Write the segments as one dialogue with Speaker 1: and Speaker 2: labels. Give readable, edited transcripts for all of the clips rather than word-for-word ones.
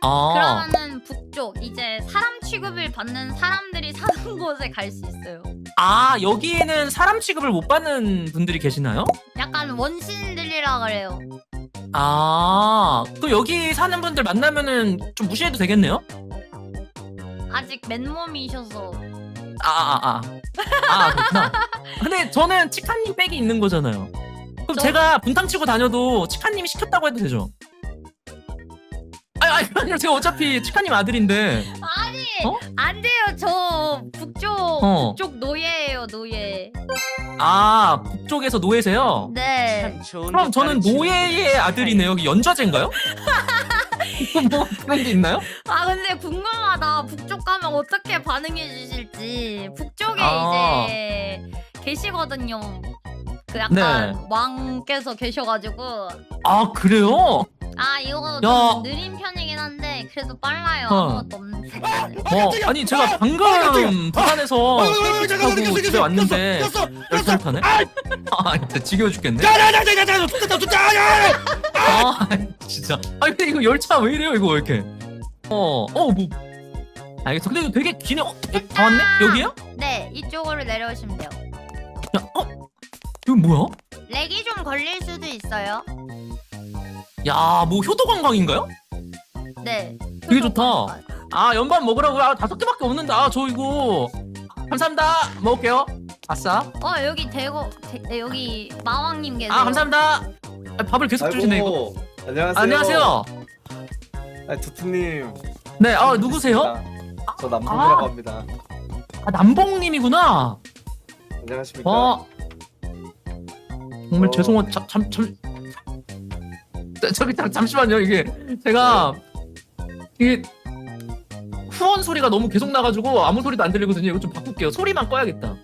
Speaker 1: 그러면은 북쪽 이제 사람 취급을 받는 사람들이 사는 곳에 갈 수 있어요.
Speaker 2: 여기에는 사람 취급을 못 받는 분들이 계시나요?
Speaker 1: 약간 원신들이라 그래요.
Speaker 2: 그럼 여기 사는 분들 만나면은 좀 무시해도 되겠네요?
Speaker 1: 아직 맨몸이셔서.
Speaker 2: 그렇구나. 근데 저는 치카님 백이 있는 거잖아요. 그럼 제가 분탕 치고 다녀도 치카님이 시켰다고 해도 되죠? 아니요, 제가 어차피 치카님 아들인데.
Speaker 1: 아니 안 돼요. 저 북쪽 노예예요, 노예.
Speaker 2: 북쪽에서 노예세요?
Speaker 1: 네.
Speaker 2: 그럼 저는 노예의 아들이네요. 여기 연좌제인가요? 뭐 그런 게 있나요?
Speaker 1: 근데 궁금하다. 북쪽 가면 어떻게 반응해 주실지. 북쪽에 이제 계시거든요. 그 약간 왕께서 계셔가지고.
Speaker 2: 그래요?
Speaker 1: 이거 좀 느린 편이긴 한데 그래도 빨라요. 아무것도 없는 새끼는.
Speaker 2: 아니 제가 방금 부산에서 타고 집에 왔는데 열차를 타네? 진짜 지겨워 죽겠네. 진짜. 근데 이거 열차 왜 이래요 이거 왜 이렇게? 뭐 알겠어. 근데 이거 되게 기네. 다 왔네? 여기요?
Speaker 1: 네, 이쪽으로 내려오시면 돼요.
Speaker 2: 이거 뭐야?
Speaker 1: 렉이 좀 걸릴 수도 있어요.
Speaker 2: 뭐 효도 관광인가요?
Speaker 1: 네.
Speaker 2: 되게 좋다. 연밥 먹으라고요? 5개밖에 없는데. 저 이거 감사합니다. 먹을게요. 아싸.
Speaker 1: 여기 여기 마왕님 계세요.
Speaker 2: 감사합니다. 밥을 계속 주시네 이거.
Speaker 3: 안녕하세요.
Speaker 2: 안녕하세요.
Speaker 3: 두투님.
Speaker 2: 네, 누구세요?
Speaker 3: 저 남봉이라고 합니다.
Speaker 2: 남봉님이구나.
Speaker 3: 안녕하십니까?
Speaker 2: 정말 죄송한 잠시만요. 이게 제가 이게 후원 소리가 너무 계속 나가지고 아무 소리도 안 들리거든요. 이거 좀 바꿀게요. 소리만 꺼야겠다.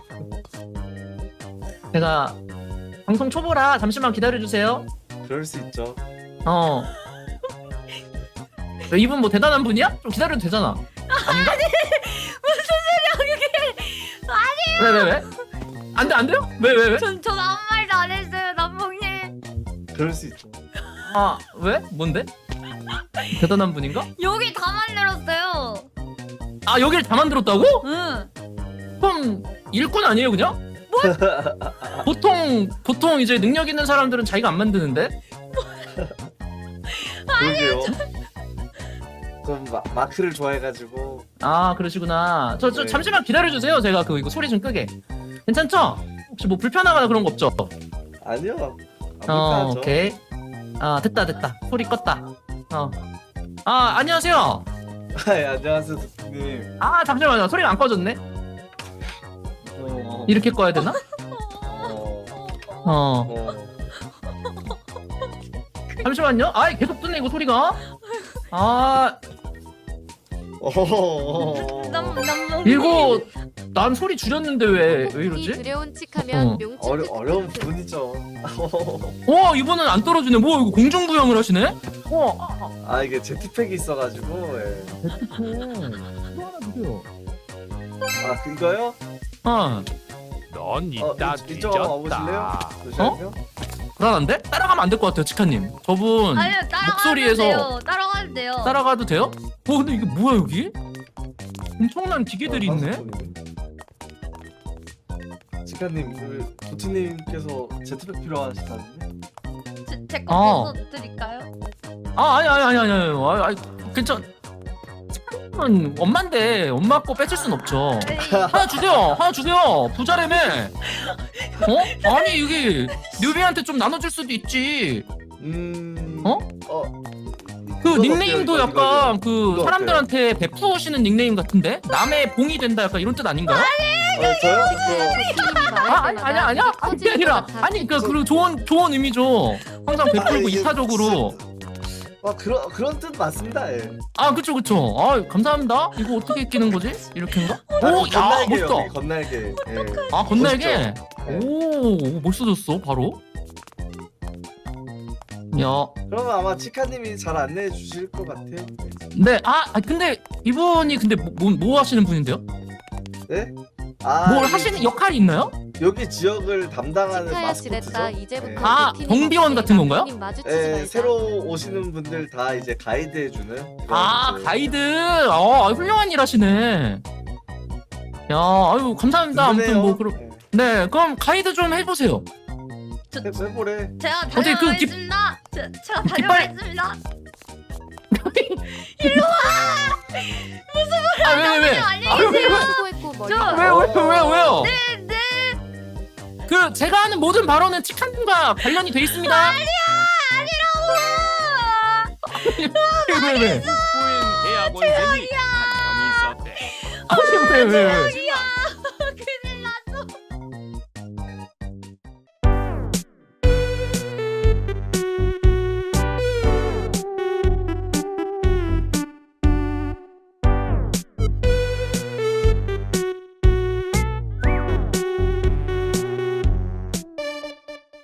Speaker 2: 제가 방송 초보라 잠시만 기다려주세요.
Speaker 3: 그럴 수 있죠.
Speaker 2: 이분 뭐 대단한 분이야? 좀 기다려도 되잖아. 아닌가?
Speaker 1: 무슨 소리야 그게?
Speaker 2: 왜? 안 돼요? 왜?
Speaker 1: 전 아무 말도 안 했어요, 남봉님.
Speaker 3: 그럴 수 있죠.
Speaker 2: 왜? 뭔데? 대단한 분인가?
Speaker 1: 여기 다 만들었어요.
Speaker 2: 여기를 다 만들었다고?
Speaker 1: 응.
Speaker 2: 그럼 일꾼 아니에요 그냥? 보통 이제 능력 있는 사람들은 자기가 안 만드는데?
Speaker 3: 그러게요. 좀 마크를 좋아해가지고.
Speaker 2: 그러시구나. 저
Speaker 3: 네.
Speaker 2: 잠시만 기다려주세요. 제가 이거 소리 좀 끄게. 괜찮죠? 혹시 뭐 불편하거나 그런 거 없죠?
Speaker 3: 아니요. 안 불편하죠.
Speaker 2: 오케이. 됐다. 소리 껐다. 안녕하세요.
Speaker 3: 안녕하세요, 두투님.
Speaker 2: 잠시만요. 소리가 안 꺼졌네. 이렇게 꺼야 되나? 잠시만요. 계속 뜨네 이거 소리가.
Speaker 1: 남봉님.
Speaker 2: 이거 난 소리 줄였는데 왜 이러지?
Speaker 4: 두려운 칙하면
Speaker 3: 어려운 분이죠.
Speaker 2: 이번엔 안 떨어지네. 이거 공중부양을 하시네?
Speaker 3: 이게 제트팩이 있어가지고.
Speaker 2: 이거 하나 주세요.
Speaker 3: 이거요?
Speaker 5: 넌 이따
Speaker 3: 이쪽 한번 와보실래요?
Speaker 5: 뒤졌다.
Speaker 3: 잠시만요.
Speaker 2: 불안한데? 따라가면 안 될 것 같아요, 치카님. 저분
Speaker 1: 아니요,
Speaker 2: 목소리에서
Speaker 1: 따라가도 돼요.
Speaker 2: 따라가도 돼요? 근데 이게 뭐야 여기? 엄청난 기계들이 있네.
Speaker 3: 치카님, 두투님께서 제트팩 필요하시다는데?
Speaker 1: 제거 빼서 드릴까요?
Speaker 2: 아니. 괜찮. 치카님은 엄마인데 엄마 거 뺏을 순 없죠. 하나 주세요. 부자라며. 아니 이게 뉴비한테 좀 나눠줄 수도 있지. 그 닉네임도
Speaker 3: 어때요?
Speaker 2: 약간
Speaker 3: 이거
Speaker 2: 사람들한테 베푸시는 닉네임 같은데? 남의 봉이 된다 약간 이런 뜻 아닌가요?
Speaker 3: 저요?
Speaker 2: 아니야. 그게 아니라 그리고 좋은 의미죠. 항상 베풀고
Speaker 3: 이게
Speaker 2: 이타적으로.
Speaker 3: 그런 뜻 맞습니다. 예.
Speaker 2: 그쵸. 감사합니다. 이거 어떻게 끼는 거지? 이렇게인가?
Speaker 3: 건날개요.
Speaker 2: 멋있다.
Speaker 3: 건날개. 예.
Speaker 2: 건날개.
Speaker 3: 멋있죠?
Speaker 2: 멋있어졌어 바로. 야.
Speaker 3: 그러면 아마 치카님이 잘 안내해 주실 것 같아요.
Speaker 2: 네. 근데 이분이 뭐 하시는 분인데요?
Speaker 3: 네?
Speaker 2: 뭘
Speaker 3: 여기
Speaker 2: 하시는 역할이 있나요?
Speaker 3: 여기 지역을 담당하는
Speaker 4: 치카야 지냈다.
Speaker 3: 마스코트죠.
Speaker 4: 이제부터
Speaker 2: 아,
Speaker 4: 그 팀이
Speaker 2: 경비원
Speaker 4: 맞지.
Speaker 2: 같은 건가요?
Speaker 4: 남편님 마주치지
Speaker 3: 예,
Speaker 4: 말자.
Speaker 3: 새로 오시는 분들 다 이제 가이드 해주는.
Speaker 2: 아,
Speaker 3: 그런
Speaker 2: 가이드. 훌륭한 일 하시네. 야, 아유, 감사합니다. 아무튼
Speaker 3: 든든해요.
Speaker 2: 뭐 그럼 네, 그럼 가이드 좀 해보세요.
Speaker 3: 해보래.
Speaker 1: 제가
Speaker 2: 어떻게 그 깃-
Speaker 1: 다녀오겠습니다. 제가
Speaker 2: 깃발-
Speaker 1: 다녀오겠습니다.
Speaker 2: 아, 왜? 아유, 왜?
Speaker 4: 수고했고 머리.
Speaker 1: 저-
Speaker 2: 왜요?
Speaker 1: 네.
Speaker 2: 그 제가 하는 모든 발언은 치카님과 관련이 돼 있습니다.
Speaker 1: 아니라고.
Speaker 2: 왜?
Speaker 5: 후엔 대학원생이 한 명이 있었대.
Speaker 2: 아니, 왜?